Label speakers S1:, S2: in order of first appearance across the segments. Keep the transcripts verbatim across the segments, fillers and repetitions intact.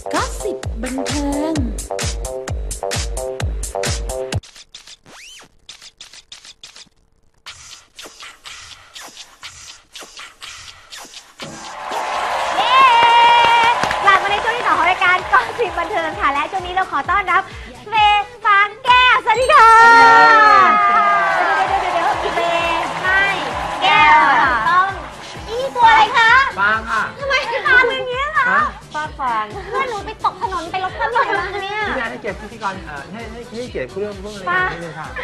S1: ก็สิบบันเทิง
S2: ก่อนสิบบันเทิงค่ะและช่วงนี้เราขอต้อนรับเฟย์ฟางแก้วสวัสดีค่ะเดี๋ยวเดี๋ยวเดี๋ยวเฟย์ไม่แก้วต้องอีตัวอะไรคะ
S3: ฟางค่ะ
S2: ทำไมฟางเป็นอย่างนี้คะฟางฟางเพื่อนหนูไปตกถนนไปรถข้ามถนนมาเนี่ย
S3: พี่แม่ให้เกียรติพิธีกรเอ่อให้ให้ให้เกียรติเรื่องเรื่องอะไรนิดนึงค่ะ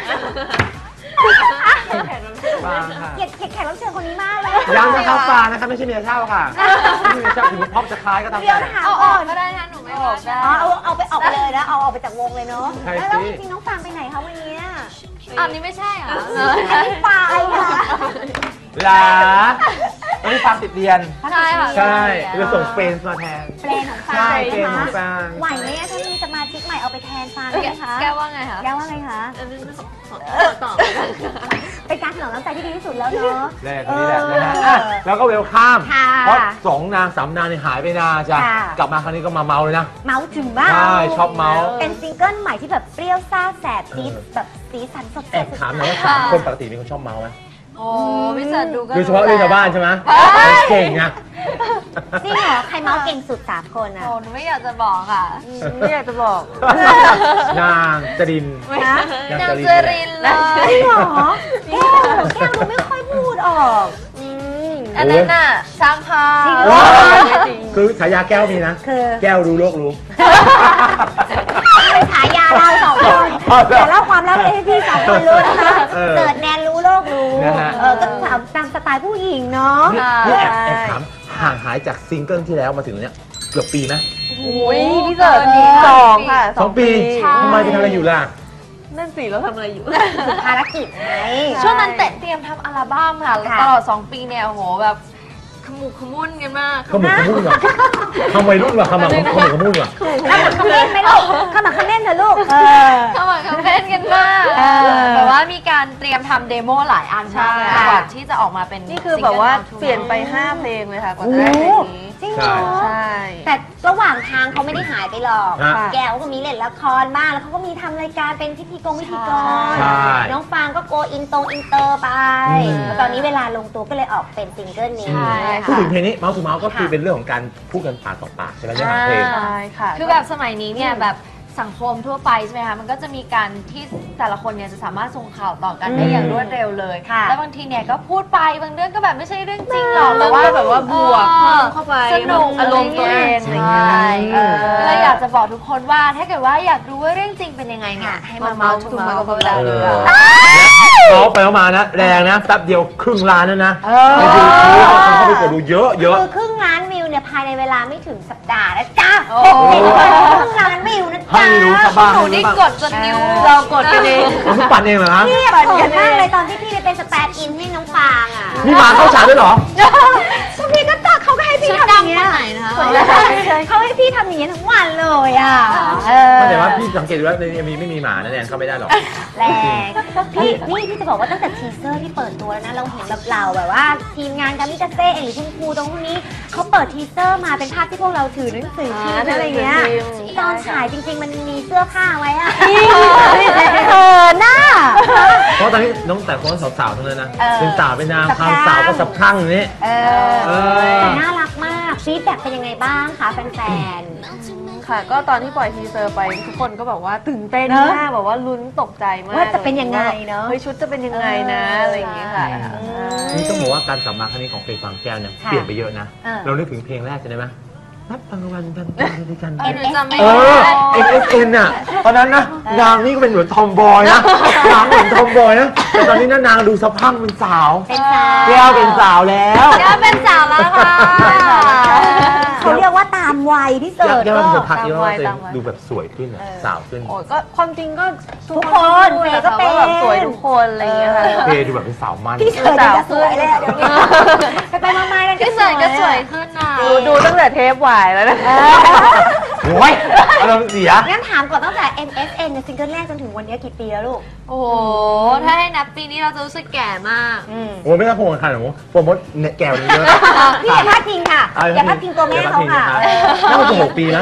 S3: ฟางค่ะ
S2: เกียรติแขกรับเชิญคนนี้มากเลย
S3: ย้ำนะครับฟางนะครับไม่ใช่เมียเช่าค่ะไม่ใช่เมียเช่าถึงพอบจะคล้ายก็ตามแต่
S2: เอาออกก็ได้นะหนูไม่ออกได้เอาเอาไปออกไปเลยนะเอาออกไปจากวงเลยเนาะแล้วจริงๆน้องฟางไปไหนคะวันนี้
S4: อันนี้ไม่ใช่เหรอ
S2: ไม่ไปค่ะ
S3: ลาวันนี้ฟางติดเรียน
S4: ใช่ค่ะ
S3: ใช่จะส่งเฟรนมาแทน
S2: เฟรนของฟาง
S3: ใช่เฟรนของฟาง
S2: ไหวไหมถ้ามีสมาชิกใหม่เอาไปแทนฟางไหมคะ
S4: แกว่าไงคะ
S2: แกว่าไงคะ
S4: ต่อ
S2: เป็นการถนอมน้ำใจที่ดีที่สุดแล้วเนาะ
S3: แรกนี้แหละนะฮะแล้วก็เวลข้ามเพราะสองนางสามนางนี่หายไปนานจ้ะกลับมาครั้งนี้ก็มาเมาเลยนะ
S2: เมาถึงบ้าน
S3: ใช่ชอบเมา
S2: เป็นซิงเกิลใหม่ที่แบบเปรี้ยวซ่าแสบจี๊ดแบบสีสันสดใส
S3: แอบถามหน่อยว่าสามคนปกติเป็นคนชอบเมาไหม
S4: โอ้พี่เสิร์ชดูก็
S3: โดยเฉพาะเรื่องชาวบ้านใช่ไหมเก่งอะ
S2: จริงเหรอใครเมาเก่งสุดสามคนอะ
S4: โอ้หนูไม่อยากจะบอกค่ะไม่อยากจะบอก
S3: นางจริน
S4: นางจรินเลย
S2: จริงเหรอแก้วแก้วดูไม่ค่อยพูดออก
S4: อันนั้นน่ะช่างภาพ
S3: คือฉายาแก้วมีนะแก้วรู้โลกรู้
S2: เป็นฉายาเราสองคนแต่เล่าความลับให้พี่สองคนรู้นะคะเกิดแนนรู้โลกรู้เออก็ถามตามสไตล์ผู้หญิงเนาะ
S3: นี่แอบแอบถามห่างหายจากซิงเกิลที่แล้วมาถึงเนี้ยเกือบปีไหม
S4: โอ้ยพี่เสิร์ชสองค่ะ
S3: สองปีทำไมไปทำอะไรอยู่ล่ะ
S4: นั่นสิเราทำอะไรอยู่
S2: ภารกิจไง
S4: ช่วงนั้นเตรียมทำอัลบั้มค่ะตลอดสองปีเนี่ยโอ้โหแบบขมุกขมุนกันมาก
S3: ขมุกขมุนเหรอทำไมรุ่นวะขมักขมุกขมุนวะ
S2: ขมักขม้นไหมลูกขมักขม้นเถอะลูก
S4: ขมักขม้นกันมากแบบว่ามีการเตรียมทำเดโมหลายอันมากเลยก่อนที่จะออกมาเป็น
S5: นี่คือแบบว่าเปลี่ยนไปห้าเพลงเลยค่ะก่อนจะได้เพลงนี้
S2: จริงเหรอใช่แต่ระหว่างทางเขาไม่ได้หายไปหรอกแก้วก็มีเล่นละครบ้างแล้วเขาก็มีทำรายการเป็นพิธีกรพิธีกรน้องฟางก็โกอินโตอินเตอร์ไปตอนนี้เวลาลงตัวก็เลยออกเป็นซิงเกิลนี้
S3: พูดถึงเพลงนี้เมาส์ทูเมาส์ก็คือเป็นเรื่องของการพูดกันปากต่อปากใช่ไหมเรื่องของเพลง
S4: ใช่ค่ะคือแบบสมัยนี้เนี่ยแบบสังคมทั่วไปใช่ไหมคะมันก็จะมีการที่แต่ละคนเนี่ยจะสามารถส่งข่าวต่อกันได้อย่างรวดเร็วเลยแล้วบางทีเนี่ยก็พูดไปบางเรื่องก็แบบไม่ใช่เรื่องจริงหรอก
S5: แต่ว่าแบบว่าบวกเข้าไป
S4: สนุก
S5: อารมณ์ตัวเองอะไรอย่างเงี้
S4: ยเลยอยากจะบอกทุกคนว่าถ้าเกิดว่าอยากรู้ว่าเรื่องจริงเป็นยังไงเนี่ยให้มาเมาส์ถูกมากับพวกเราเลย
S3: เขาไปแล้วมานะแรงนะแป๊บเดียวครึ่งล้านแล้วนะไปดูคลิปคนเข้าไปกดดูเยอะเยอะ
S2: คือครึ่งล้านวิวเนี่ยภายในเวลาไม่ถึงสัปดาห์นะจ๊ะครึ่งล้านวิวนะจ๊ะ
S3: ให้รู้ซะบ้าง
S4: หนูนี่กดจนนิ้ว
S5: เรากดกันเอง
S3: ผมปั่นเองเหรอครับ
S2: พี่ปั่นกันมากเลยตอนที่พี่ไปเป็นสแตนด์อินให้น้องฟางอ่ะ
S3: นี่มาเข้าฉากด้วยเหรอ
S2: ก็พี่ก็ตักเขาก็ให้พี่ทำอย่างเงี้ยเขาให้พี่ทำอย่างเงี้ยทั้งวันเลยอ่ะ
S3: แต่ว่าพี่สังเกตดูว่าในเอ็มวีไม่มีหมานะแนนเข้าไม่ได้หรอก
S2: แรงพี่นี่พี่จะบอกว่าตั้งแต่ทีเซอร์ที่เปิดตัวแล้วนะเราเห็นแบบเราแบบว่าทีมงานกามิกาเซ่เองหรือคุณครูตรงพวกนี้เขาเปิดทีเซอร์มาเป็นภาพที่พวกเราถือหนังสือพิมพ์อะไรเงี้ยตอนฉายจริงๆมันมีเสื้อผ้าไว้อะเออหน้า
S3: เพราะตอนนี้น้องแต่คนสาวๆทั้งนั้นนะเป็นสาวเป็นนางความสาวก็สับข้างอย่างนี้
S2: แต่น่ารักมากฟีดแบ็กเป็นยังไงบ้างคะแฟน
S5: ๆค่ะก็ตอนที่ปล่อยทีเซอร์ไปทุกคนก็แบบว่าตื่นเต้นมากแบบว่าลุ้นตกใจมาก
S2: ว่าจะเป็นยังไงเนาะ
S5: เฮ้ยชุดจะเป็นยังไงนะอะไรอย่างเงี้ยค่ะ
S3: นี่ต้องบอกว่าการกลับมาครั้งนี้ของเพลงฟางแก้วเนี่ยเปลี่ยนไปเยอะนะเรานึกถึงเพลงแรกใช่ไหมนับรางวัลกันด้วยกันเออเอ็นเอสเอ็นอ่ะตอนนั้นนะนางนี่ก็เป็นเหมือนทอมบอยนะนางเหมือนทอมบอยนะแต่ตอนนี้นางดูสะพรั่งเป็นสาวแก้วเป็นสาวแล้ว
S4: แก้วเป็นสาวแล้วค่ะ
S2: เขาเรียกว่าตามวัยที่เสิร์ฟ
S3: ก็พักเยอะดูแบบสวยขึ้นสาวขึ้น
S5: โอ้ก็ความจริงก็
S2: ทุกคนเฟย์ก็เป็น
S5: สวยทุกคนอะไรอย่างเงี้ยค่ะ
S3: เฟย์ดูแบบเป็นสาวมัน
S2: พี่เสิร์ฟก็สวยเลยเดี๋ยวนี้ไปไปมาๆกัน
S4: พี่เสิร์ฟก็สวยขึ้นนะ
S5: ดูตั้งแต่เทปวายแล้วนะ
S3: โอ้ยอารมณ์เสีย
S2: งั้นถามก่อนตั้งแต่ เอ็ม เอส เอ็น ในซิงเกิลแรกจนถึงวันนี้กี่ปีแล้วลูก
S4: โอ้โหถ้าให้นับปีนี้เราจะรู้สึกแก่มาก
S3: โอ้ไม่ต้องโผล่ขนาดนั้นโปรโมทแก่เลยเยอะ
S2: พี่อย่าพลาดพิงค่ะอย่าพลาดพิงตัวแม่เขาค่ะ
S3: น่าจะหกปีนะ
S4: ใช่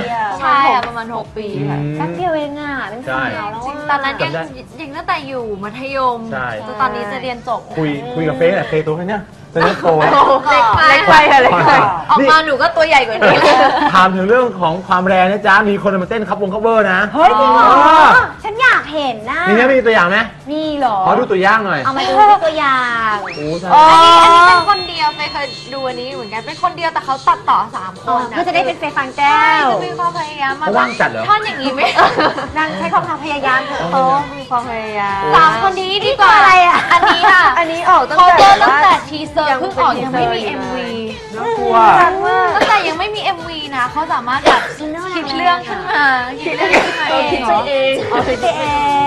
S5: มาณ
S4: ใช่
S5: หก
S4: อะประมาณหกปีค่ะ
S2: แป๊บเดียวเองอ่ะเป็นสาวแล้ว
S4: จริง
S2: อะ
S4: ตอนนั้นยัง
S3: จำได้
S4: ยังตั้งแต่อยู่มัธยม
S3: ใช่
S4: จนตอนนี้จะเรียนจบ
S3: คุยคุยกับเฟซอะเฟซตัวแค่เนี้ยตอนนี้โตแล้ว
S4: เล็กไป
S5: เล็กไปค่ะเล็กไป
S4: ออกมาหนูก็ตัวใหญ่กว่านี้
S3: ถามถึงเรื่องของความแรงนะจ๊ะ มีคนมาเต้นคับวงคัฟเวอร์นะ
S2: เฮ้ยจริงเหรอ
S3: เออ
S2: ฉันอยากเห็นนะ
S3: มีไหมมีตัวอย่างไหม
S2: มีเหรอ
S3: ขอดูตัวอย่างหน่อย
S2: เอามาดูที่ตัวอย่าง
S3: โอ้ใช่
S4: อันนี้อันนี้เป็นคนเดียวไปเคยดูอันนี้เหมือนกันเป็นคนเดียวแต่เขาตัดต่อสามคนนะ
S2: ก็จะได้เป็นเฟย์ฟังแก้
S4: ใช่
S2: ว
S4: จะมีความพยายามมา
S3: เขาว่างจัดเหรอ
S4: ท่อนอย่างนี้ไหม
S2: นางใช้ความพยายามเถอะ
S3: อ๋อ
S2: โต
S5: มีความพยายาม
S4: สามคนนี้ดีกว่า
S2: อะไรอะ
S4: อันนี้ค่ะ
S5: อันนี้ออกตั้ง
S4: เขา
S5: แต่
S4: เจอตั้งแต่
S5: ว่า
S4: ทีเซอร์เพิ่งออกยังไม่มี เอ็ม วี
S3: น่ากลัว
S4: ตั้งแต่ยังไม่มี เอ็ม วี นะเขาสามารถแบบคิดเรื่องขึ้นมาคิดเรื่องขึ้นมาเอง
S5: คิดไปเอง
S2: เอาไปเอง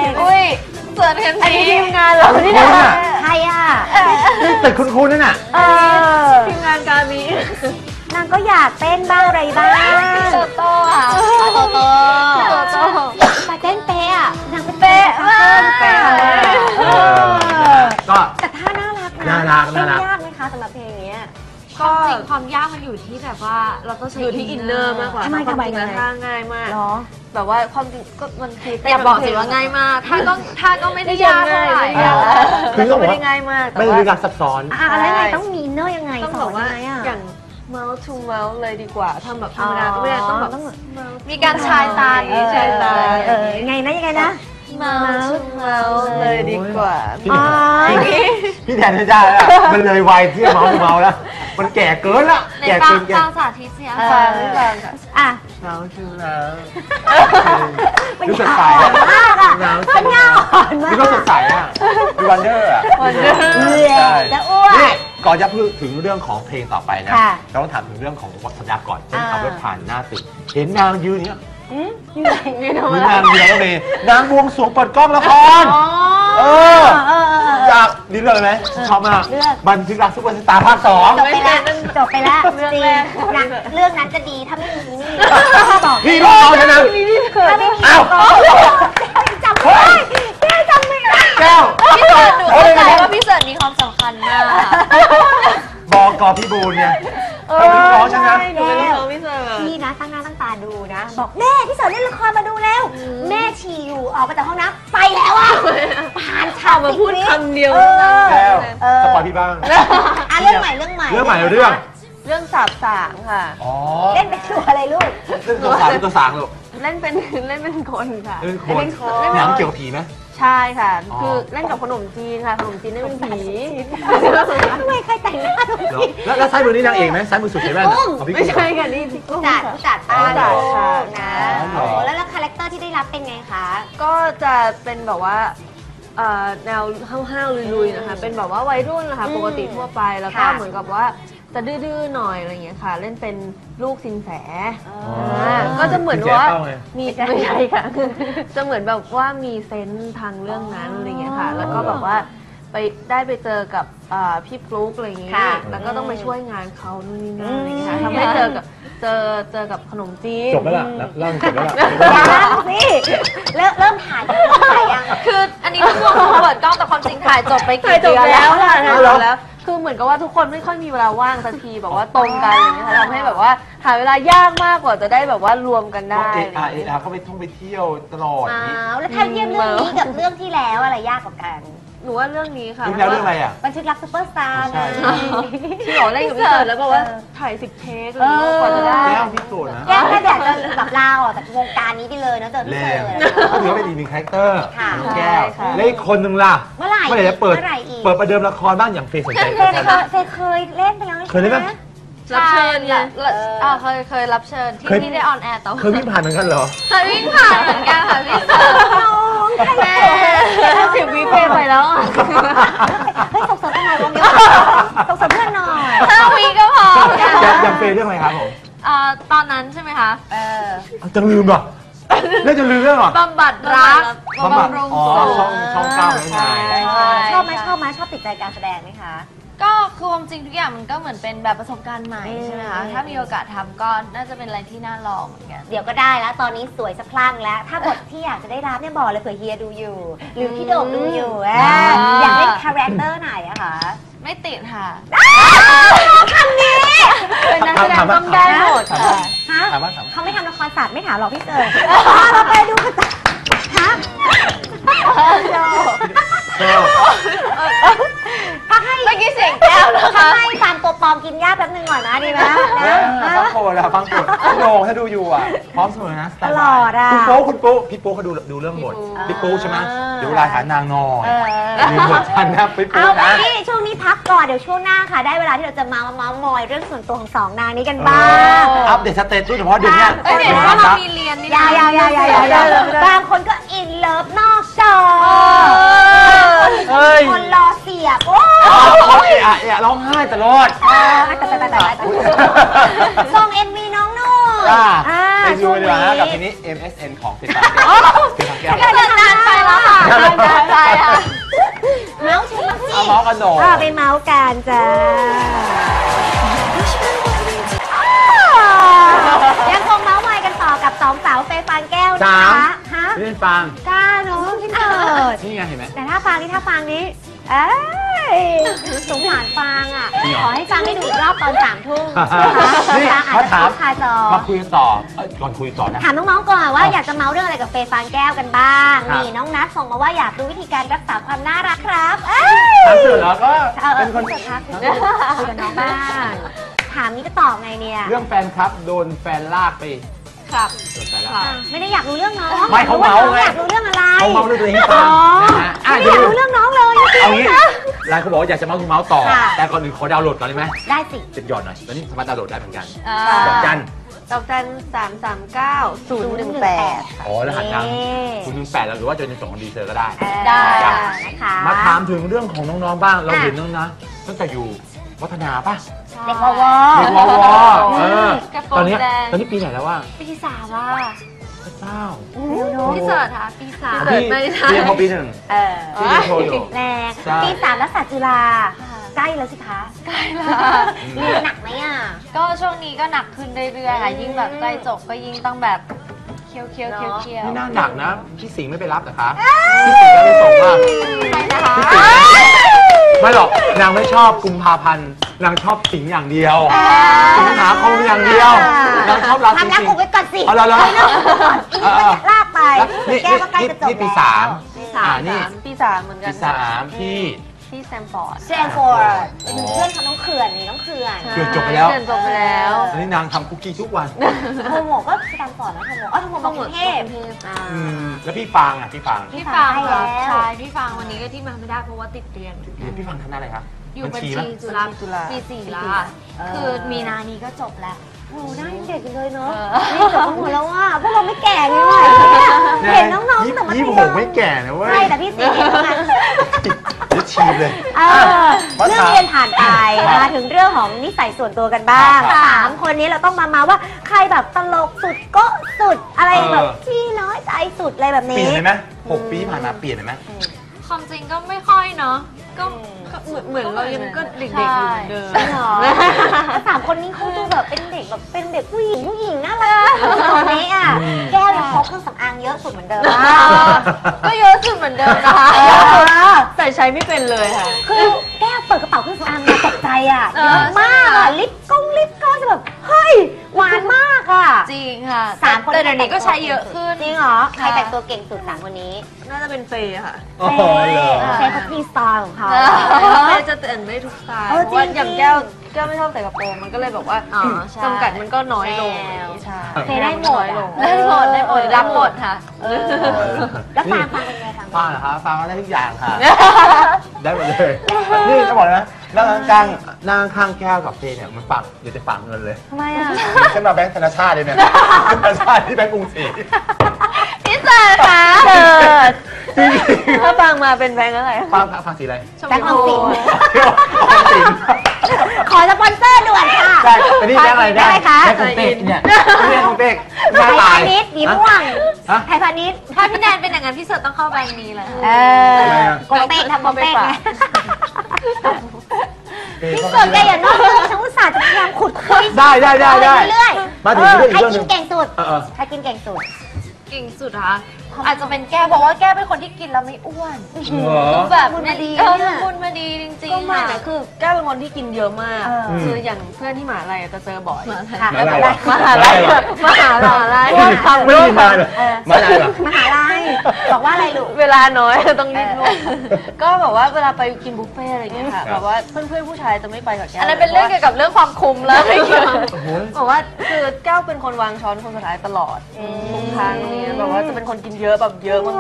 S4: อุ้ยเสิร์ชเห็น
S5: อันนี้
S4: ที
S5: ทีมงานเราที่
S3: คุณ
S5: ท
S3: อะ
S2: ใครอ่ะ
S3: นี่ตึกคุณคุณนั่นน่ะ
S2: เออ
S5: ำทีมงานการมี
S2: นางก็อยากเต้นบ้างอะไรบ้าง
S4: โตโต้ค่ะ
S2: โตโต
S4: โตโต้
S2: แต่เต้นเป๊ะอ่ะนางเป็นเป๊ะมาก
S3: เป๊ะมาก
S2: เออ
S3: ก็
S2: แต่ท่าน่ารักนะ
S3: น่ารักน่ารัก
S2: เต้นยากไหมคะสำหรับเพลงนี้
S4: ก็จริงความยากมันอยู่ที่แบบว่าเราต้องใช้
S5: อยู่ที่อินเนอร์มากกว่า
S2: ทำไม
S5: ความ
S2: ทำไม
S5: จริงแล้ว
S2: ทำไม
S5: ท่าง่ายมาก
S2: เหรอ
S5: แบบว่าความจริงก็มันคือเต้น
S4: อย่าบอกสิว่าง่ายมากถ้าก็ถ้าก็ไม่ได้ยากเท่าไหร่
S5: ไม่
S4: อะ
S5: ยาก
S3: คื
S5: แต่
S3: อต้
S5: ก็
S3: องบอก
S5: ไม่
S3: ว่า
S5: ได้ง่ายมากแต่
S3: ไม่
S5: ว่า
S3: มีการซับซ้อน
S2: อ่ะอะไรไงต้องมีอินเนอร์ยังไง
S5: ต้อง
S2: ส
S5: บ
S2: อ
S5: อน กว่า
S2: ยังไงอ่ะ
S5: อย่าง mouth to mouth เลยดีกว่าทำแบบธรรมดาก็ไม่ได้ต้องแบบ
S4: มีการชายตา
S5: เออชายตา
S2: เออยังไงนะยังไงนะ
S5: mouth to mouth เลยดีกว่า
S3: พี่
S2: อ๋อ
S3: พี่พี่แทนไม่ได้แล้วมันเลยวัยที่จะเมาส์เมาแล้ว มันแก่เกินละ
S4: ใน
S3: แก่
S4: ฟั
S3: เกิ
S4: ง
S3: นแก่
S4: ฟังสาธิตเสียง
S2: เออ
S5: ฟังไม่ฟังค่ะ
S2: อ่ะ
S3: เมาส์ชื่อแล้ว
S2: มัน
S3: ดูสด
S2: ยา
S3: ใส
S2: ว
S3: อะ
S2: มากอ่ะ
S3: เมาส์
S2: มั
S3: ชื่
S2: น
S3: อแล้
S2: ยาว วอ่อนมาก
S3: นี่ก็สดใสอะดูวันเดอร์อะ
S5: Wonder
S2: เออ
S3: ใช่
S2: จะอ้วน
S3: นี่ก่อนจะพูดถึงเรื่องของเพลงต่อไปนะ
S2: ค่ะ
S3: เราต้องถามถึงเรื่องของวัฒนธรรมก่อนเช่น
S2: อ่า
S3: ขับรถผ่านหน้าตึกเห็นนางยืนเนี้ย
S2: อืมอยู่ไหน
S5: นี่
S3: ห
S5: ทำ
S3: รื
S5: ไม
S3: อนางเดียวก็มีนางบวงสรวงเปิดกล้องละคร
S2: อ๋อ
S3: เออ
S2: เออเออเออ
S3: จากนี่เรื่องอะไรไหมชอบมาก
S2: เรื่อง
S3: บันทึกรักซุปเปอร์สตาร์ภาคสอง
S2: จบไปแล้วจบไปแล้วจริงนะเรื่องนั้นจะดีถ้าไม่มีนี่บอก
S3: นี่ลูกน้องฉันนะ
S2: ถ้าไม่มี
S3: อ้าว
S2: จำไม่ได้แก้วจำไม่ได้
S3: แก้ว
S4: พี่เสิร์ชหนูเข้าใจว่าพี่เสิร์ชมีความสำคัญมาก
S3: บอกกอพี่บูนเนี่ยเขาเป็นน้องฉันนะ
S5: หนูเป็นลูกน้องพี่เสิร์ฟ
S2: พี่นะตั้งหน้าตั้งตาดูนะ บอกแม่พี่เสิร์ชเล่นละครมาดูแล้ว แม่ฉี่อยู่ออกมาจากห้องน้ำไปแล้วอ่ะผ่านฉาก
S5: มาพูดคำเดียว
S2: เออ
S3: แก้ว
S2: เออ
S3: สปอยพี่บ้าง
S2: อ่ะเรื่องใหม่เรื่องใหม่
S3: เรื่องใหม่เรื่อง
S5: เรื่องสาบสางค่ะ
S3: อ๋อ
S2: เล่นเป็นตัวอะไรลูก
S3: เรื่องตัวสางเป็นตัวสางลูก
S5: เล่นเป็นเล่นเป็นคนค่ะ
S3: เรื่องคน
S5: เล่นคน
S3: หนังเกี่ยวกับผีไหม
S5: ใช่ค่ะ
S3: อ๋อ
S5: คือเล่นกับขนมจีนค่ะ ขนมจีนเล่นเป็นผี
S2: ทำไมใครแต่งหน้าตรง
S3: เหรอ
S2: นี้
S3: แล้วแล้วซ้ายมือนี่นางเอกไหมซ้ายมือสุดใช่ไหมน่ะของพี่
S5: ไม่
S3: กุ้ง
S5: ใช่ค่ะนี่พี่กุ้ง
S2: จัด
S5: ค่ะ
S2: จัดป้า
S5: จัดค่ะ
S2: นะ
S3: อ๋อเหรอ
S2: โอ้แล้วแล้วคาแรคเตอร์ที่ได้รับเป็นไงคะ
S5: ก็จะเป็นแบบว่าเอ่อแนวห้าวๆลุยๆนะคะ เป็นแบบว่าวัยรุ่นนะคะ
S2: อืม
S5: ปกติทั่วไป แล้วก็
S2: ค่ะ
S5: เหมือนกับว่าจะดื้อๆหน่อยอะไรอย่างเงี้ยค่ะ เล่นเป็นลูกสินแส
S2: อ๋อ
S5: อ่าก็จะเหมือนว่า
S3: สินแสเข้าไง
S5: มีไม่ใช่ค่ะ จะเหมือนแบบว่ามีเซนส์ทางเรื่องนั้นอะไรอย่างเงี้ยค่ะ แล้วก็แบบว่าไปได้ไปเจอกับอ่าพี่ฟลุ๊กอะไรอย่างเงี้ย
S2: ค่ะ
S5: แล้วก็ต้องไปช่วยงานเขานู่นนี่นั่นอะไรอย่างเงี้ยค่ะ
S2: อืม
S5: ทำให้เจอกับเจอเจอกับขนมจีน
S3: จบแล้วล่ะเล่าจบแล้วล่ะ
S2: ยังสิเริ่มเริ่มถ่ายเริ่มถ่ายยัง
S4: คืออันนี้ต้องวงเปิดกล้องแต่ความจริงถ่ายจบไป
S5: ถ่า
S4: กี่
S5: ยจบ
S4: เดือน
S5: แล้
S4: แล้ว ว
S5: ค่ะถ่าย
S3: เอา
S5: จ
S3: เหรอ
S5: บแล้ว คือเหมือนกับว่าทุกคนไม่ค่อยมีเวลาว่างสักทีแบบว่าตรงกันอะไรอย่างเงี้ยค่ะทำให้แบบว่าหาเวลายากมากกว่าจะได้แบบว่ารวมกันได้
S3: เอ
S5: อะไรอ
S3: อา
S5: ย่าง
S3: เอ
S5: เงี้ย
S3: อาเขาไปท่องไปเที่ยวตลอดอย่างนี้
S2: อ้าวแล้วถ้าเทียบเรื่องนี้กับเรื่องที่แล้วอะไรยากกว่ากัน
S5: หนูว่าเรื่องนี้ค่ะ
S3: เรื่องแล้วเรื่องอะไรอ่ะ
S2: บันทึกรักซุปเปอร์สตาร์
S3: ใช่
S2: ไง
S5: ที่บอกเล่นกับพี่เสิร์ชแล้วบอกว่าถ่ายสิบเทคอะไรอย่างเงี้ยกว่าจะได้
S3: แก้วพี่โสดนะ
S2: แก้วแค่อยากจะแบบลาออกจากวงการนี้ไปเลยนะเจอพี่
S3: แร
S2: เสิ
S3: ง
S2: ร์ช
S3: ก็ถือว่าเป็นอีกหนึ่งคาแรคเตอร์
S2: ค่ะ
S3: ของแก้ว
S5: ใช่ค่ะ
S3: และอีกคนหนึ่งล่ะ
S2: เมื่อไหร่
S3: เมื่อไหร่จะเปิด
S2: เมื่อไหร่อีก
S3: เปิดประเดิมละครบ้างอย่างเฟย์สนใจ
S2: เฟ
S3: ละ
S2: ย
S3: คร
S2: เคยเฟยเคยเล่นไปแล้ว
S3: เคยเล่นไหม
S5: รับเชิญไง
S4: ละอ่าเคยเคยรับเชิญที่
S3: เคย
S4: ที่ได้ออนแอร์แต่ว่า
S3: เคยวิ่งผ่านเหมือนกันเหรอ
S4: เคยวิ่งผ่านเหมือนกันค่ะพี่เสิร์ช
S2: น้องใคร
S4: แม่
S5: สิบวิเพลงไปแล้วอะ
S2: เฮ้ยส่งเสริมกันหน่อยวงเดียวส่งเสริมเพื่อนหน่อย
S4: ห้าวีก็พอ
S3: อย่างอย่างเฟย์เรื่องอะไรครับผม
S4: อ่าตอนนั้นใช่ไหมคะ
S2: เออ
S3: เอาจะลืมเหรอเรื่องจะลืมเรื่องเหรอบ
S4: ำบัดรัก
S3: บำบัด
S4: บำรุง
S3: อ๋อ
S4: สุข
S3: ช่องช่องเก้าแล้วไง
S4: ใช่
S2: ชอบไหมชอบไหมชอบติดใจการแสดงไหมคะ
S4: ก็คือความจริงทุกอย่างมันก็เหมือนเป็นแบบประสบการณ์ใหม่ใช่ไหมคะ
S2: อืม
S4: ถ้ามีโอกาสทำก็น่าจะเป็นอะไรที่น่าลองเหมือนกัน
S2: เดี๋ยวก็ได้แล้วตอนนี้สวยสะพรั่งแล้ว ถ้าบทที่อยากจะได้รับเนี่ยบอกเลยเผื่อเฮียดูอยู่ หรือพี่โด่งดูอยู่อ่ะ
S4: อ่า
S2: อยากเล่นคาแรคเตอร์ไหนอะคะ
S4: ไม่ติดค่ะ
S2: คำนี้
S5: เป็นนักแสดงต้องได้หมดค่ะ
S2: ฮะ
S3: ถามว่าถามว่า
S2: เขาไม่ทำละครศาสตร์ไม่ถามหรอกพี่เต๋อเราไปดูกันฮะพักให้
S4: เมื่อกี้เสียงแก้วนะคะ
S2: พักให้ฟาร์มตัวปลอมกินหญ้าแป๊บนึงก่อนนะดีไหมนะ
S3: ฟังโปรดอะฟังโปรดพี่โหน่งถ้าดูอยู่อะพร้อมเสมอนะ
S2: ตลอดอะ
S3: คุณโป๊คุณโป๊พี่โป๊เขาดูดูเรื่องบทพี่โป๊ใช่ไหมเดี๋ยวเวลาหานางนอนมีบทชันนะพี่โป๊
S2: เอา
S3: นะ
S2: พี่ช่วงนี้พักก่อนเดี๋ยวช่วงหน้าค่ะ ได้เวลาที่เราจะมาเมาส์มอยเรื่องส่วนตัวของสองนางนี้กันบ้าง
S3: อัปเดตสเตตัสเฉพาะเดือนเนี้ย
S4: เอ้ยเดี๋ยวว่าเรามีเรียนนี่
S2: ยาวยาวยาวยาวยาวยาวบางคนก็อินเลิฟนอกจอ
S3: เฮ้ย
S2: คนรอเสียบโอ้
S3: โอ้ยเอะเอะร้องไห้ตลอด
S2: แต่แต่แต่แต่ส่งเอ็นวีน้องนุ่น
S3: อ่า
S2: อ่า
S3: ไปดู
S2: ช่วง
S3: ดีกว่า
S2: นี้
S3: นะกับทีนี้ เอ็ม เอส เอ็น ของเป็นปากแก้วเป็นปากแก้ว
S4: เกิดนานไปแล้วค่ะนานไปค่ะ
S2: เมาส์ชิมสิ
S3: เอาเมาส์กันหน่อย
S2: อ่าไปเมาส์กันจ้ายังคงเมาส์มอยกันต่อกับสองสาวเฟย์ฟางแก้วนะคะฮะ
S3: พี่เป็นฟาง
S2: กล้าเนาะพี่เติร์ด
S3: นี่ไงเห็นไหม
S2: แต่ถ้าฟางนี่ถ้าฟางนี้เอ้ยสงสารฟางอ่ะ
S3: จริงเหรอ
S2: ขอให้ฟางได้ดูอีกรอบตอนสามทุ่ม
S3: นี่
S2: ฟางอาจ
S3: มา
S2: จะ
S3: ถาม
S2: คาจอ
S3: มาคุยกันต่อเอ้ยก่อนคุยต่อนะ
S2: ถามน้องๆก่อนว่าอยากจะเมาเรื่องอะไรกับเฟย์ฟางแก้วกันบ้าง
S3: ครับ
S2: นี่น้องนัทส่งมาว่าอยากรู้วิธีการรักษาความน่ารักครับเอ้ย
S3: ถามเสร็จแล้วก็
S2: เออเอ
S3: เป็
S2: อน
S3: คน
S2: คุยกับคุยกับน้องบ้างถามนี้จะตอบไงเนี่ย
S3: เรื่องแฟนครับโดนแฟนลากไป
S4: ครับ
S3: โดนแฟนลาก
S2: อ่ะไม่ได้อยากรู้เรื่องน้อง
S3: ไม่เขาเมาไง
S2: อยากรู้เรื่องอะไร
S3: เขาเมาเรื่องตัวเองให้ฟัง
S2: อ๋อ
S3: นะฮะอ่ะ
S2: ไม่
S3: เดี๋
S2: อย ยาว กรู้เรื่องน้องเลยจริ
S3: เอา
S2: ง
S3: งี้
S2: ๆนะ
S3: หลายคนบอกว่าอยากจะเมาส์คุณเมาส์ต่อ
S2: ค่ะ
S3: แต่ก่อนอื่นขอดาวน์โหลดก่อนได้ไหม
S2: ได้สิ
S3: จะหย่อนหน่อยตอนนี้สามารถดาวน์โหลดได้เหมือนกัน
S4: อ่า
S3: ดอกจัน
S5: ดอกจันสามสามเก้าศูนย์หนึ่งแปด
S3: อ๋อรหัสทางคุณหนึ่งแปดแล้วหรือว่าจะเป็นส่งของดีเซอร์ก็ได้
S4: ได้
S2: นะคะ
S3: มาถามถึงเรื่องของน้องๆบ้าง เราเห็นน้องนะตั้งแต่อยู่วัฒนาป่ะ
S2: เด็กวอวอ
S3: เด็กวอวอเออ
S4: กระโปรง
S3: ตอนนี้
S4: แดง
S3: ตอนนี้ปีไหนแล้วว่า
S4: ปีสามอ่ะ
S3: พระเจ้า
S4: พี่เสิร์ชค่ะปีสาม
S3: พี่เรียนพอปีหนึ่ง
S2: เออ
S3: ที่เรียนโทรอยู่
S2: แรง
S3: ใช่
S2: ปีสามรัฐศาสตร์จุฬาใกล้แล้วสิคะ
S4: ใกล้ละ
S2: เรียนหนักไหมอ่ะ
S4: ก็ช่วงนี้ก็หนักขึ้นเรื่อยๆค่ะยิ่งแบบใกล้จบก็ยิ่งต้องแบบเคี้ยวเคี้ยวเคี้ยวเคี้ยว
S3: ไม่น่าหนักนะ พี่สิงห์ไม่ไปรับเหรอคะพี่สิงห์ก็ไปส่งมา
S4: นะคะ
S3: พี่สิงห์ไม่หรอกนางไม่ชอบกุมภาพันธ์นางชอบสิงห์อย่างเดียวสิงหาคมอย่างเดียวนางชอบราศี
S2: ทำหน้า
S3: สิง
S2: กู
S3: ห์
S2: ไว้ก่อนสิ
S3: เอาละละ
S2: ไปเรื่องก่อนอีกมันจะลากไป
S3: นี่
S2: แก้วก็ใกล้
S3: นี่
S2: จะจบ
S3: นี่ปีสาม
S5: ปีสา
S3: อ่าม นี่
S5: ปีสามเหมือนกั
S3: ปี
S5: น
S3: สามพี่
S5: ที่แซมฟอร์ด
S2: เซนฟอร์ดเป็นเพื่อนเขาน้องเขื่อนนี่น้องเขื่อน
S3: เขื่อนจบไปแล้ว
S5: เขื่อนจบไปแล้ว
S3: ตอนนี้นางทำคุกกี้ทุกวัน
S2: โทโมก็สแตนฟอร์ดนะโทโมอ๋อโทโมมากรุงเทพ
S5: อ่า
S3: อืมแล้วพี่ฟางอ่ะพี่ฟาง
S4: พี่ฟัง
S2: ใช่แล้ว
S4: ใช่พี่ฟังวันนี้ก็ที่มาไม่ได้เพราะว่าติดเรียน
S3: เรียนพี่ฟางคณะอะไรครับ
S4: อยู่บัญ
S3: ไหม
S4: ชีจุฬา
S5: จุฬา
S4: ปีสี่ละ
S2: เออ
S4: คือมีนานี้ก็จบแล้ว
S2: โอ้โหหน้ายังเด็กอยู่เลยเนาะ
S4: เออ
S2: นี่จบกันหมดแล้วว่าพวกเราไม่แก่ไงวะเห็นน้องๆ
S3: ยี่
S2: แต่มัธ
S3: ยี่
S2: ย
S3: หกไม่แก่นะเว้ย
S2: ใช่แต่พี่สีเห็นแล้วไง
S3: เดี๋ยวชีบเลย
S2: เออเรื่องเรียนผ่านไปมาถึงเรื่องของนิสัยส่วนตัวกันบ้าง
S3: ครับ
S2: สามคนนี้เราต้องมามาว่าใครแบบตลกสุดโก็สุดอะไรแบบที่น้อยใจสุดอะไรแบบ
S3: เปลี่
S2: นี้
S3: ยนเลยไหมหกปีที่ผ่านมาเปลี่ยนเลยไหม
S4: ความจริงก็ไม่ค่อยเนาะก็
S5: ก็เหมือนเหมือนเรายังก็เด็กๆอยู่เหมือนเดิม
S2: จริงเหรอสามคนนี้เขาดูแบบเป็นเด็กแบบเป็นเด็กผู้หญิงผู้หญิงน่ารักตอนนี้อ่ะแก้วยังพกเครื่องสำอางเยอะสุดเหมือนเดิม
S5: ก็เยอะสุดเหมือนเดิมนะคะ
S2: เออ
S5: ใส่ใช้ไม่เป็นเลยค่ะ
S2: คือแก้วเปิดกระเป๋าเครื่องสำอางมาตกใจอ่ะ
S4: เอ
S2: เย
S4: อ
S2: อะมากอ่ะลิปก้งลิปก้อนจะแบบเฮ้ยหวานมากอ่ะ
S4: จริงค่ะ
S2: สามคน
S4: แต่เดี๋ยวนี้ก็ใช้เยอะขึ้น
S2: จริงเหรอใครแต่งตัวเก่งสุดสามคนนี้
S5: น่าจะเป็นเฟย์ค่ะ
S3: โอ้โหเหรอ
S2: เฟย์เขามีสไตล์ของเขา
S5: เฟย์จะแต่งได้ทุกสไตล์
S2: เออ
S5: เพราะว่า
S2: จริงๆ
S5: อย่างแก้วแก้วไม่ชอบใส่กระโปรงมันก็เลยแบบว่า
S4: อ๋อใช่
S5: จำกัดมันก็น้อยลง
S2: แนว
S5: ใช่
S2: เฟย์ได้หมด
S5: น้อยล
S2: อ่ะ
S5: ง
S4: ได้หมดได้หมดรับหมดค่ะ
S2: เออแล้วฟังฟังเป็นไงฟัง
S3: ฟังเหรอครับฟังได้ทุกอย่างค่ะ ได้หมดเลย นี่จะบอกเลยนะนั่งข้างๆนั่งข้างแก้วกับเฟย์เนี่ยมันฝังเดี๋ยวจะฝังเงินเลย
S2: ทำไมอ่ะ
S3: ขึ้นมาแบงค์ธนาชาติเลยเนี่ยธนาชาติที่แบงค์กรุงศรี
S4: พี่เสิร์ชค่ะ
S5: เกิดถ้าฟังมาเป็นแบงค์อะไร
S3: ฟังฟังสีอะไร
S2: แบงค์ออมสิน
S3: ออมสิน
S2: ขอสปอนเซอร์ด่วนค่ะ
S3: ใช่อันนี้แบงค์อะไร
S2: ได้ไหมคะ
S3: แบงค์ของเป๊กเนี่ยแบงค์ของเป๊กห
S2: ไท
S3: น้าย ตา
S2: พาย ณิชย์หนีม่วง
S3: ฮะ
S2: ไทยพาณิชย์
S4: ถ้าพี่แนนเป็นอย่างนั้นพี่เสิร์ชต้องเข้าแบงค์นี้แหละ
S2: เออโกงเป๊กทำโกงเป๊กไงพี่เกิดแกอย่านอกเรื่องฉันอุตส่าห์จะพยายามขุดคุย
S3: ได้ได้ได้ได้
S2: เรื่อยๆ
S3: มาถึง
S2: เออ
S3: เรื่องอี
S2: ใคร
S3: กเรื่องห
S2: กิ
S3: นึ่
S2: น
S3: ง
S2: เก่งสุด
S3: เออเออ
S2: ใครกินเก่งสุด
S4: เก่งสุดคะอาจจะเป็นแก้วเพราะว่าแก้วเป็นคนที่กินแล้วไม่อ้วน
S3: เหรอ
S4: คือแบบ
S2: บุญมาดี
S4: เออ
S2: เนี่ย
S4: บุญมาดีจริง
S5: ก็
S4: ๆ
S5: ไม่
S4: ค่ะ
S5: นะคือแก้วเป็นคนที่กินเยอะมาก
S2: เออ
S5: คืออย่างเพื่อนที่มหาลัยจะเจอบ่อย
S2: ค่ะ
S3: มาอะไรวะ
S5: มหาลัยมหาลัย
S3: ไม่มีทางไม่มีทางเลยมาอะไรเหรอ
S2: มหาลัยบอกว่าอะไรลูก
S5: เวลาน้อยต้องรีบลุกก็แบบว่าเวลาไปกินบุฟเฟ่ต์อะไรอย่างเงี้ยค่ะแบบว่าเพื่อนๆผู้ชายจะไม่ไปกับแก้ว
S4: อันนั้นเป็นเรื่องเกี่ยวกับเรื่องความคุมแล้วไม่เกี่ยว
S3: โอ้โห
S5: บอกว่าคือแก้วเป็นคนวางช้อนคนสุดท้ายตลอดทุกครั้งเนี่ยแบบว่าจะเป็นคนกินเยอะแบบเยอะมาก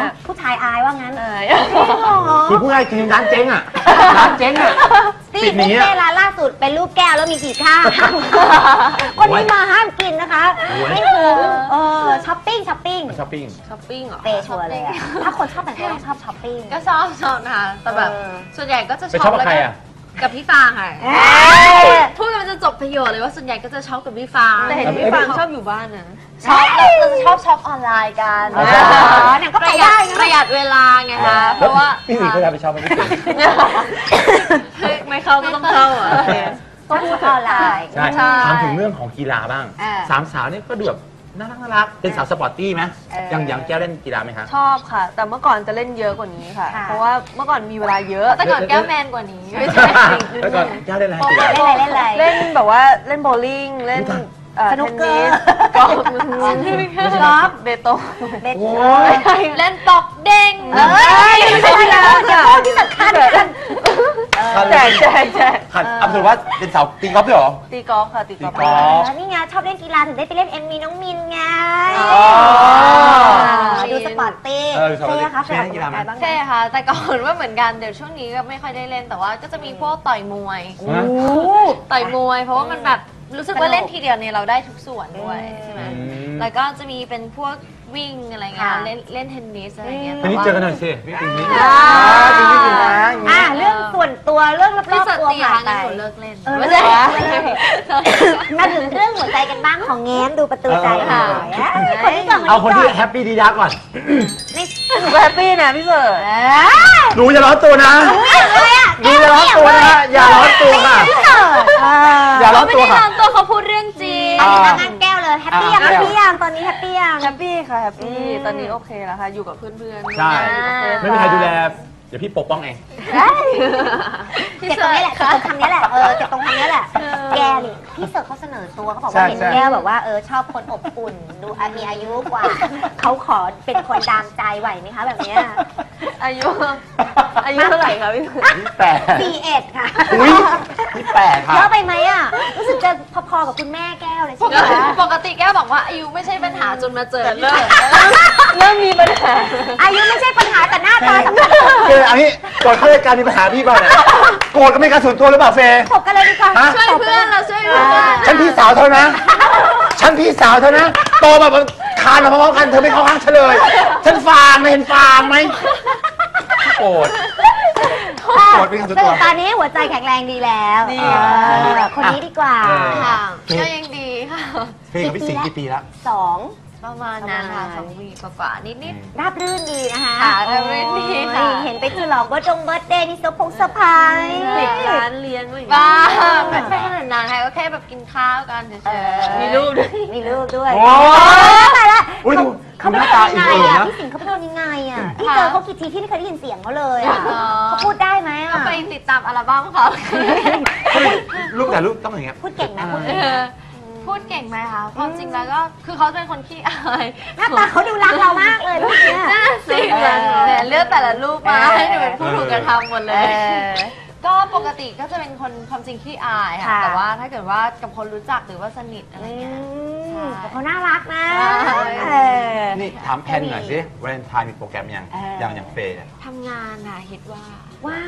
S2: ผู้ชายอายว่างั้น
S5: ๆอาย
S3: คือผู้ใหญ่กินร้านเจ๊งอ่ะร้านเจ๊งอ่ะ
S2: ที่
S3: ปิดห
S2: บุ
S3: นี
S2: ฟ
S3: อ่ะ
S2: เฟ่ต์ร้านล่าสุดเป็นรูปแก้วแล้วมีกี่ข้างคนนี้มาห้ามกินนะคะ
S3: โอ้ย
S2: ไม่ถึงเออช้อปปิ้งช้อปปิ้ง
S3: ช้อปปิ้ง
S5: ช้อปปิ้งเหรอ
S2: เปย์ชัวร์เลยอะถ้าคนชอบแต่งตัวต้องชอบช้อปปิ้ง
S4: ก็ชอบชอบนะคะแต่แบบ
S2: เออ
S4: ส่วนใหญ่ก็จะ
S3: ไปชอบกับใครอ่ะ
S4: กับพี่ฟางค่ะ
S2: เอ้ย
S4: พูดกันมันจะจบประโยชน์เลยว่าส่วนใหญ่ก็จะชอบกับพี่ฟาง
S5: แต่เห็นพี่ฟางชอบอยู่บ้านนะ
S4: ชอบเราเราจะชอบช็อปออนไลน์กัน
S3: อ๋อ
S2: เนี่ยก็
S4: ป
S2: ไประ
S4: หยั
S2: ได้
S4: ด
S2: นะ
S4: ประหยัดเวลาไงคะเพราะว่า
S3: พี่สิงห์เคยทำไปชอบไหมพี่สิงห์
S5: ไม่เข้าก็ต้องเข้าอ่ะ
S2: ก็พูดออนไลน์
S3: ใช่
S4: ใช่
S3: ถามถึงเรื่องของกีฬาบ้าง
S2: เออ
S3: สามสาวเนี่ยก็ดูแบบน่ารักน่ารักเป็นสาวสปอร์ตตี้ไหม
S2: เออ
S3: ยังยังแก้วเล่นกีฬาไหมคะ
S5: ชอบค่ะ แต่เมื่อก่อนจะเล่นเยอะกว่านี้ค่ะ
S2: ค่ะ
S5: เพราะว่าเมื่อก่อนมีเวลาเยอะ
S4: แต่ก่อนแก้วแมนกว่านี้
S5: ไม่ใช่
S3: แล้วก็แก้วเล่นอะไรกีฬา
S2: เล่นอะไรเล่นอะไร
S5: เล่นแบบว่าเล่นโบว์ลิ่งเล่นเอ่อ
S2: สนุกเกอร์
S5: กอล์ฟ
S2: กอล์ฟ
S5: เบโต
S2: เบส
S3: โอ้
S4: เล่นปอกเด้ง
S2: เอ้ยไม่ใช่นะอย่าพูดที่สำคัญกัน
S5: แจกแจกแจก
S3: ขัดอับสุดว่าเป็นสาวตีกอล์ฟด้วยเหรอ
S5: ตีกอล์ฟค่ะตีกอล์ฟ
S3: ตีกอล์ฟ
S2: แล้วนี่ไงชอบเล่นกีฬาถึงได้ไปเล่นเอ็มมีน้องมินไง
S3: อ๋อ
S2: ดูสปอร์ตตี้
S3: เออดูสปอร์ตตี้
S2: เฟ่คะ
S3: เฟ่
S2: เฟ่
S3: เล่นกีฬาไหม
S2: บ้าง
S4: ใช่ค่ะ แต่ก่อนว่าเหมือนกันเดี๋ยวช่วงนี้ก็ไม่ค่อยได้เล่นแต่ว่าก็จะมีพวกต่อยมวย
S3: ฮะ
S4: ต่อยมวย เพราะว่ามันแบบรู้สึกว่าเล่นทีเดียวเนี่ยเราได้ทุกส่วนด้วยใช่ไหม
S3: อืม
S4: แล้วก็จะมีเป็นพวกวิ่งอะไรเงี้ยเล่นเล่นเทนนิสอะไรเงี้ย
S3: ทีนี้เจอกันหน่อยสิพี่ปิงนี้
S2: อ่า
S3: จริงจริงนะอย่าง
S2: อ่ะ
S3: งี้
S2: เรื่องส่วนตัวเรื่องร
S4: พี่
S2: อบ
S4: ส
S2: ๆตัว
S4: ติ
S2: ผ่า
S4: ค่ะ
S2: นไป
S4: งั้นหนูเลิกเล่น
S2: เออ
S4: ไม่ใช่
S2: มาถึงเรื่องหัวใจกันบ้างของแง้มดูประตูใจหน่อยอ่ะคนนี้ก่อน
S3: เอาคนที่แฮปปี้ดีดักก่อน
S2: ไม่
S5: แฮปปี้นะพี่เสิร์ช
S2: เอ้ย
S3: หนูอย่าร้อนตัวนะ
S2: อะไรอ่ะ
S3: หนูอย่าร้อนตัวนะ อย่าร้อนตัวค่ะ
S2: ไม่เกิดเออ
S3: อย่าร้อน
S4: ไม่
S3: ตัว
S4: ได้
S3: ค่ะ
S4: ร้อนตัวเขาพูดเรื่องจริง
S2: อันนี้งานแก้วเลยแฮปปี้ยัง
S3: อ่า
S2: แฮปปี้ยังตอนนี้แฮปปี้ยัง
S5: แฮปปี้ค่ะแฮปปี้ตอนนี้โอเคแล้วค่ะอยู่กับเพื่อนๆ
S3: ใช่
S5: อยู่กับเพื่อน
S3: ไม่มีใครดูแล เดี๋ยวพี่ปกป้องเอง
S2: เจ็บตรงนี้แหละเจ็บตรงคำนี้แหละ เออ เจ็บตรงคำนี้แหละ แกนี่พี่เสิร์ฟเขาเสนอตัวเขาบอกว่า
S3: ใช่
S2: เห็น
S3: ใช่
S2: แก้วแบบว่าเออชอบคนอบอุ่น ดูอ่ะมีอายุกว่า เขาขอเป็นคนดามใจไหวไหมคะแบบเนี้ย
S5: อายุอายุเท่าไหร่คะพี่
S3: ยี่แปด
S2: สี่เอ็ดค่ะ
S3: อุ้ยยี่แปดค่ะ
S2: เยอะไปไหมอ่ะ รู้สึกจะพอๆกับคุณแม่แก้วเลย
S4: ป
S2: ใช่
S4: ก
S2: ไหม
S4: ติ
S2: คะ
S4: ปกติแก้วบอกว่าอายุไม่ใช่ปัญหาจนมาเจอ
S5: แต่
S4: พี่
S5: เริ่ม
S4: เสิร์ช
S5: เริ่มมีปัญหา
S2: อายุไม่ใช่ปัญหาแต่หน้าตาสำคัญ
S3: เฟย์อันนี้ก่อนเข้ารายการมีปัญหาพี่เปล่าเนี่ยโกรธกันไม่การส่วนตัวหรือเปล่าเฟย์
S2: ถกกันเลยดีกว่า
S3: ฮะ
S4: ช่วยเพื่อนเราช่วยเพื่อน
S3: ฉันพี่สาวเธอนะ ฉันพี่สาวเธอนะ โตมาแบบคานมาพร้อมๆกันเธอไม่เข้าข้างฉันเลย ฉันฟางนะเห็นฟางไหมโกรธ โกรธเป็นการส่วนตัว
S2: ตอนนี้หัวใจแข็งแรงดีแล้ว
S5: ดี
S2: เออคนนี้ดีกว่า
S3: เออ
S4: ค่ะก็ยังดีค่ะ
S3: เฟย์กับพี่สิงห์กี่ปีแล้ว
S2: สอง
S4: ประมาณนั้นค่ะสองวีกว่าๆนิด
S2: ราบรื่นดีนะคะ
S4: ค่ะราบรื่นดีค่ะ
S2: โอ้ยเห็นไปฉลองเบิร์ดดงเบิร์ดเดย์นี่เซอร์พงเซอร์ไพรส์
S5: เด็กร้านเลี้ยงอะไรอย่าง
S4: ๆ
S5: เงี้
S4: บ้าย ไม่ไม่ขนาดนั้นค่ะก็แค่แบบกินข้าวกันเฉยๆ
S5: มีรูปด้วย
S2: มีรูปด้วย
S3: โอ้
S2: ตายละ
S3: อุ้ยดู
S2: เขา
S3: ดูห
S2: เป็น
S3: น้า
S2: คน
S3: ตา
S2: ยัง
S3: อิ่ม
S2: ไง
S3: เอิบ
S2: อ่ะ
S3: นะ
S2: พี่สิงห์เขาเป็นคนยังไงอ่ะพี่เจอเขากี่ทีพี่ไม่เคยได้ยินเสียงเขาเลยอ่ะ
S4: อ๋อ
S2: เขาพูดได้ไหม
S4: ก็
S2: อ่ะ
S4: ไปติดตามอัลบั้มเขา
S3: ลูกแต่ลูกต้องอย่างเงี้ย
S2: พูดเก่งนะพูด
S4: เอ
S2: เก่ง
S4: อพูดเก่งไหมคะความจริงแล้วก็คือเขาเป็นคนขี้อาย
S2: หน้าตาเขาดูรักเรามากเลยลูกเนี่ย
S4: น่าสิ
S2: เออ
S4: เนี่ยเลือกแต่ละรูปมา
S2: เออ
S4: ให้หนูเป็นผู้ถูกกระทำหมดเล
S2: เอย อ
S4: ก็ปกติก็จะเป็นคนความจริงขี้อายค่ะ
S2: ค่ะ
S4: แต่ว่าถ้าเกิดว่ากับคนรู้จักหรือว่าสนิทอะไรเงี้ย ใช่
S2: แต่เขาน่ารักนะ
S4: ใช่
S2: เออ
S3: นี่ถามแพนหน่อยสิวาเลนไทน์มีโปรแกรมยัง
S2: เออ
S3: อย่างอย่างเฟย์เนี่ย
S4: ทำงานค่ะคิดว่า
S2: ว้าย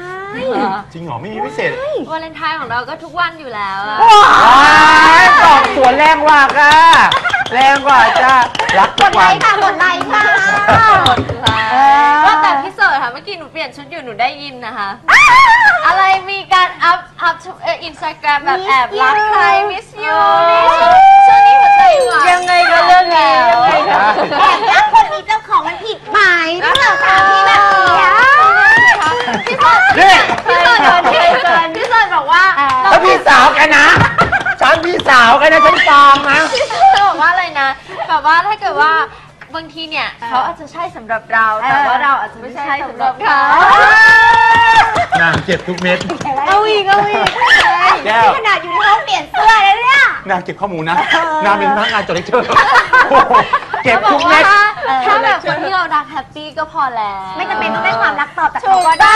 S3: จริงเหรอไม่มีพิเศษ
S4: วาเลนไทน์ของเราก็ทุกวันอยู่แล้วอะ
S3: ว้ายสองสวนแรงกว่าค่ะแรงกว่าจ้ารัก
S2: ก
S3: ทุ
S2: ด
S3: ก
S2: ไล
S3: วัน
S2: ค์ค่ะกดไลค์ค่ะ เออ
S4: ว่าแต่พี่เสิร์ชค่ะเมื่อกี้หนูเปลี่ยนชุดอยู่หนูได้ยินนะคะ อะไรมีการอัพอัพอินสตาแกรมแบบแอบรักใคร miss you นี่ช่วงนี้หัวใจหวาน
S5: ยังไงก็เรื่องนี้ยังไงก็
S2: แอบรักคนมีเจ้าของมันผิดไหมเรื่องสามีแบบนี้อะ
S4: พี่เสิร์ช
S3: นี่
S4: พี่เสิร์ชพี่เสิร์ชพี่เสิร์ชบอกว่า
S3: ถ้าพี่สาวกันนะ ฉันพี่สาวกันนะฉันฟางนะ
S4: จะบอกว่าอะไรนะแบบว่าถ้าเกิดว่าบางทีเนี่ยเขาอาจจะใช่สำหรับเราแต่ว่าเราอาจจะไม่ใช่สำหรับเขา
S3: นางเจ็บทุกเม็ด
S2: เอาอีกเอาอีก
S3: แก้ว
S2: นี่ขนาดอยู่ในห้องเปลี่ยนเสื้อเลยเนี่ย
S3: นางเก็บข้อมูลนะนางเป็นพนักงานจดเลคเชอร์เก็บทุกเม็ด
S4: ถ้าแบบคนที่เรารักแฮปปี้ก็พอแล้ว
S2: ไม่จำเป็นต้องได้ความรักตอบจากเขาก็ได้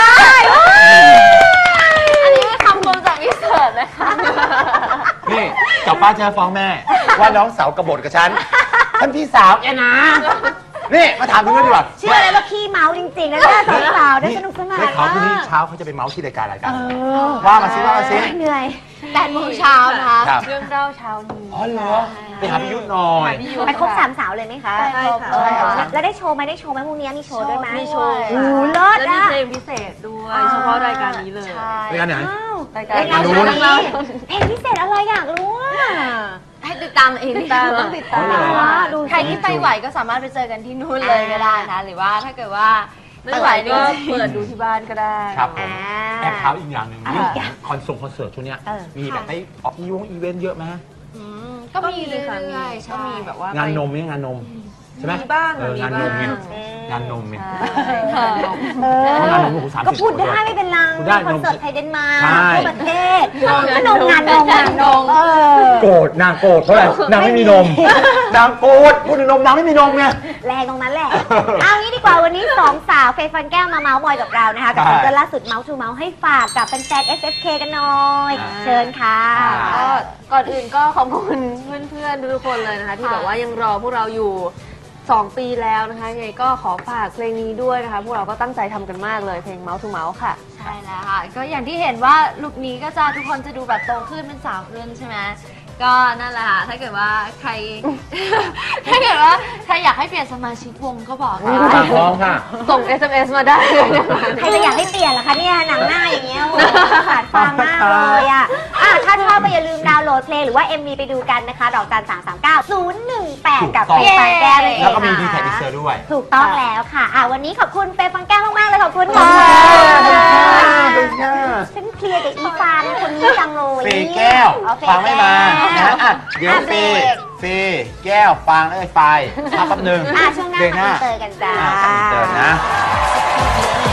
S4: อันนี้คำคมจากพี่เสิร์ชนะคะ
S3: นี่กลับบ้านจะฟ้องแม่ ว่าน้องสาวกบฏกับฉันท่านพี่สาวแกนะนี่มาถามถึงเรื่องดีกว่า
S2: เชื่อเลยว่าขี้เมาจริงๆนะเนี่ยสาวๆได้สนุกสนาน
S3: ได้ข่าวพรุ่งนี้
S2: มาก
S3: เช้าเขาจะไปเมาส์ที่รายการอะไรกันว่ามาซิว่ามาซิ
S2: เหนื่อย
S4: แปดโมงเช้านะคะ
S3: ครับ
S4: เรื่องเล่าเช้านี้
S3: อ๋อเหรอไปหาพี่ยุทธหน่อย
S2: ไปครบสามสาวเลยไหมคะ
S4: ใช่ค่ะ
S2: เออแล้วได้โชว์ไหมได้โชว์ไหมพรุ่งนี้มีโชว์ด้วยไหม
S5: มีโชว์
S2: โอ้โหเลิศ
S5: แล้วมี
S2: อ่ะ
S5: เพลงพิเศษด้วยเฉพาะรายการนี้เลย
S4: ใช่
S3: รายการไหน
S2: อ้าว
S5: รายการ
S2: รายการ
S3: นู้
S2: นี้
S3: น
S2: เพลงพิเศษอะไรอยากรู้อ่ะ
S4: ให้ติดตามเอง
S5: ติดตามต้องติดตาม
S3: อ๋อเหรอ
S2: ดู
S4: ใครที่ไปไหวก็สามารถไปเจอกันที่นู่นเลยก็ได้นะหรือว่าถ้าเกิดว่า
S5: ไม่ไหวก็เปิดดูที่บ้านก็ได้
S3: ครับผม
S2: อ่า
S3: แอบเท้าอีกอย่างหนึ่ง
S2: อ่า
S3: เรื่องของคอนเสิร์ตคอนเสิร์ตช่วงเนี้ย
S2: เออ
S3: มีแบบไปออกอีวงอีเวนต์เยอะไหม
S4: อืมก็มีเรื่
S5: ค่ะ
S4: อยๆ
S5: ก็
S4: ใช่
S5: มีแบบว่า
S3: งานนมเนี่ยงานนมใช่ไหม
S5: มีบ้าง
S3: เอองานนมเนี่ยงานนมเนี่ย
S5: ใช่
S2: เออ
S3: เพราะงานนมโอ้โหสามสิบ
S2: ก็พูดได้ไม่เป็นไร
S3: พูดได้
S2: คอนเสิร์ตไทยเดนมาร์ก
S3: ใช่
S2: ทั่วประเทศก็นมงานนมงานนมเออ
S3: โกรธนางโกรธเพราะอะไรนางไม่มีนมนางโกรธพูดถึงนมนางไม่มีนมไง
S2: แรงตรงนั้นแหละ เอางี้ดีกว่าวันนี้สองสาวเฟย์ฟันแก้วมาเมาส์มอยกับเรานะคะ กับ
S3: ใช่
S2: ซิงเกิลล่าสุดเมาส์ทูเมาส์ให้ฝากกับแฟนๆ เอส เอฟ เค กันหน่อย
S3: อ่า
S2: เชิญค่ะ
S5: ก็ก่อนอื่นก็ขอบคุณเพื่อนๆทุกคนเลยนะคะ ที่แบบว่ายังรอพวกเราอยู่สองปีแล้วนะคะยังไงก็ขอฝากเพลงนี้ด้วยนะคะ พวกเราก็ตั้งใจทำกันมากเลยเพลง Mouse to Mouse ค่ะ
S4: ใช่แล้วค่ะ ก็อย่างที่เห็นว่าลุคนี้ก็จะทุกคนจะดูแบบโตขึ้นเป็นสาวขึ้นใช่ไหมก็นั่นแหละค่ะ ถ้าเกิดว่าใคร ถ้าเกิดว่าใครอยากให้เปลี่ยนสมาชิกวงก็บอกได้
S3: ตามพร้อมค่ะ
S5: ส่ง เอส เอ็ม เอส มาได้เลยนะคะ
S2: ใครจะอยากให้เปลี่ยนล่ะคะเนี่ยหนังหน้าอย่างเงี้ยโอ้โหขาดฟังมากเลยอ่ะอ่ะถ้าชอบก็อย่าลืมดาวน์โหลดเพลงหรือว่า เอ็ม วี ไปดูกันนะคะ ดอกจันสามสามเก้าศูนย์หนึ่งแปดกับ
S3: ถู
S2: เฟ
S3: กต้อง
S2: ย์ฟันแก้วเลยเอง
S3: แล้วก็มีดี
S2: ค่ะ
S3: แท็กอินเซอร์ด้วย
S2: ถูกต้องแล้วค่ะอ่ะวันนี้ขอบคุณเฟย์ฟันแก้วมากๆเลยขอบคุณค่ะ
S3: เป็นไง
S2: ฉันเคลียร์กับอีฟานคนนี้จังเลย
S3: เฟย์แก้ว
S2: เอาเฟย์
S3: ฟังไม่มา
S2: แก้
S3: นะ
S2: ว
S3: อ่ะเดี๋ยว
S2: อ่ะ
S3: เฟ
S2: เบร
S3: ย์
S2: ก
S3: เฟย์แก้วฟังเอ้ยไฟพักแป๊บหนึง
S2: อ่ะช่วงหน้า
S3: เบรกหน้า
S2: มาเจอกันจ้า
S3: อ่ะกลับมาเจอนะ